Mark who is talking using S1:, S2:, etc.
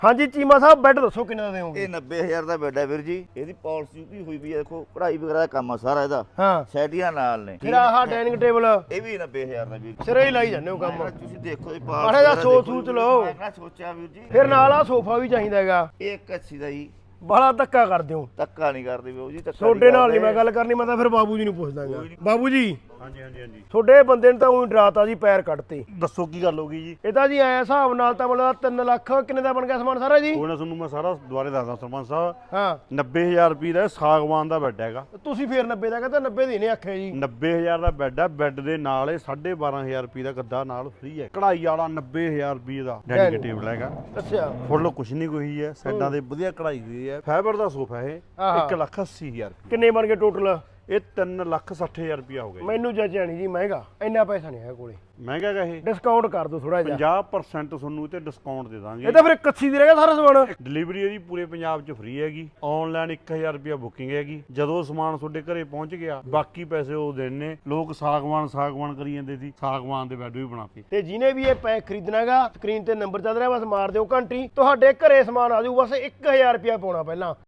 S1: ਹਾਂਜੀ ਚੀਮਾ ਸਾਹਿਬ ਬੈੱਡ ਦੱਸੋ ਕਿੰਨੇ ਦਾ ਦੇਵੋਗੇ?
S2: ਇਹ 90000 ਦਾ ਬੈੱਡ ਹੈ ਵੀਰ ਜੀ। ਇਹਦੀ ਪਾਲਿਸੀ ਵੀ ਹੋਈ ਵੀ ਹੈ, ਦੇਖੋ ਪੜ੍ਹਾਈ ਵਗੈਰਾ ਦਾ ਕੰਮ ਆ ਸਾਰਾ ਇਹਦਾ।
S1: ਹਾਂ
S2: ਸੈਟੀਆਂ ਨਾਲ ਨੇ।
S1: ਫਿਰ ਆਹ ਡਾਈਨਿੰਗ ਟੇਬਲ
S2: ਇਹ ਵੀ 90000 ਦਾ ਵੀਰ।
S1: ਸਿਰੇ ਹੀ ਲਾਈ ਜਾਂਦੇ ਹੋ ਕੰਮ।
S2: ਤੁਸੀਂ ਦੇਖੋ ਇਹ
S1: ਮਾੜਾ ਜਿਹਾ ਸੋਚ ਲਓ।
S2: ਮੈਂ ਕਿਹੜਾ ਸੋਚਿਆ ਵੀਰ ਜੀ।
S1: ਫਿਰ ਨਾਲ ਆ ਸੋਫਾ ਵੀ ਚਾਹੀਦਾ ਹੈਗਾ।
S2: ਇਹ 81 ਦਾ ਜੀ।
S1: ਬਾਲਾ ਧੱਕਾ ਕਰਦੇ ਹੋ।
S2: ਧੱਕਾ ਨਹੀਂ ਕਰਦੇ ਬਾਬੂ ਜੀ, ਧੱਕਾ
S1: ਤੁਹਾਡੇ ਨਾਲ ਨਹੀਂ ਮੈਂ ਗੱਲ ਕਰਨੀ, ਮੈਂ ਤਾਂ ਫਿਰ ਬਾਬੂ ਜੀ ਨੂੰ ਪੁੱਛਦਾਗਾ। ਬਾਬੂ ਜੀ
S3: ਹਾਂਜੀ ਹਾਂਜੀ ਹਾਂਜੀ
S1: ਤੁਹਾਡੇ ਬੰਦੇ ਨੇ ਤਾਂ ਉਹੀ ਡਰਾਤਾ ਜੀ, ਪੈਰ ਕੱਟਤੇ।
S3: ਦੱਸੋ ਕੀ ਗੱਲ ਹੋ ਗਈ ਜੀ?
S1: ਇਹ ਤਾਂ ਜੀ ਐ ਹਿਸਾਬ ਨਾਲ ਤਾਂ ਮਤਲਬ 3 ਲੱਖ ਕਿੰਨੇ ਦਾ ਬਣ ਗਿਆ ਸਮਾਨ ਸਾਰਾ ਜੀ?
S3: ਕੋਈ ਨਾ ਤੁਹਾਨੂੰ ਮੈਂ ਸਾਰਾ ਦੁਬਾਰੇ ਦੱਸਦਾ ਸਰਪੰਚ ਸਾਹਿਬ।
S1: ਹਾਂ
S3: 90000 ਰੁਪਏ ਦਾ ਸਾਗਵਾਨ ਦਾ ਬੈੱਡ ਹੈਗਾ।
S1: ਤੁਸੀਂ ਫੇਰ 90 ਦਾ ਕਹਿੰਦਾ 90 ਦੀ ਨਹੀਂ ਆਖਿਆ ਜੀ।
S3: 90000 ਦਾ ਬੈੱਡ ਹੈ। ਬੈੱਡ ਦੇ ਨਾਲ ਇਹ 12500 ਰੁਪਏ ਦਾ ਗੱਦਾ ਨਾਲ ਫ੍ਰੀ ਹੈ। ਕਢਾਈ ਵਾਲਾ 90000 ਰੁਪਏ ਦਾ ਡਾਈਨਿੰਗ ਟੇਬਲ ਹੈਗਾ।
S1: ਅੱਛਾ
S3: ਫੁੱਲ ਕੁਛ ਨਹੀਂ ਕੋਈ ਹੈ। ਸਾਈਡਾਂ ਦੇ ਵਧੀਆ ਕਢਾਈ ਹੋਈ ਹੈ। ਫਾਈਬਰ ਦਾ ਸੋਫਾ ਇਹ
S1: ਆਹਾ।
S3: 1,80,000 ਰੁਪਏ।
S1: ਕਿੰਨੇ ਬਣ ਗਏ ਟੋਟਲ?
S3: ਇਹ 3,60,000 ਰੁਪਏ ਹੋ ਗਿਆ।
S1: ਮੈਨੂੰ ਜੱਜਿਆ ਨਹੀਂ ਜੀ ਮਹਿੰਗਾ, ਇੰਨਾ ਪੈਸਾ ਨਹੀਂ ਹੈ ਕੋਲੇ।
S3: ਮਹਿੰਗਾ ਹੈਗਾ ਇਹ।
S1: ਡਿਸਕਾਊਂਟ ਕਰ ਦਿਓ ਥੋੜਾ ਜਿਹਾ।
S3: 50% ਤੁਹਾਨੂੰ ਇਹ ਤੇ ਡਿਸਕਾਊਂਟ ਦੇ ਦਾਂਗੇ।
S1: ਇਹ ਤਾਂ ਫਿਰ 81 ਦੀ ਰਹਿ ਗਿਆ ਸਾਰਾ ਸਮਾਨ।
S3: ਡਿਲੀਵਰੀ ਇਹਦੀ ਪੂਰੇ ਪੰਜਾਬ 'ਚ ਫ੍ਰੀ ਹੈਗੀ। ਆਨਲਾਈਨ 1000 ਰੁਪਏ ਬੁਕਿੰਗ ਹੈਗੀ। ਜਦੋਂ ਸਮਾਨ ਤੁਹਾਡੇ ਘਰੇ ਪਹੁੰਚ ਗਿਆ ਬਾਕੀ ਪੈਸੇ ਉਹ ਦੇਣੇ। ਲੋਕ ਸਾਗਵਾਨ ਕਰੀ ਜਾਂਦੇ ਸੀ, ਸਾਗਵਾਨ ਦੇ ਬੈੱਡ ਵੀ ਬਣਾਤੇ।
S1: ਤੇ ਜਿਹਨੇ ਵੀ ਇਹ ਪੈਕ ਖਰੀਦਣਾਗਾ ਸਕਰੀਨ ਤੇ ਨੰਬਰ ਚੱਲ ਰਿਹਾ, ਬਸ ਮਾਰ ਦਿਓ ਘੰਟੀ, ਤੁਹਾਡੇ ਘਰੇ ਸਮਾਨ ਆ ਜਾਊ। ਬਸ 1000 ਰੁਪਇਆ ਪਾਉਣਾ ਪਹਿਲਾਂ।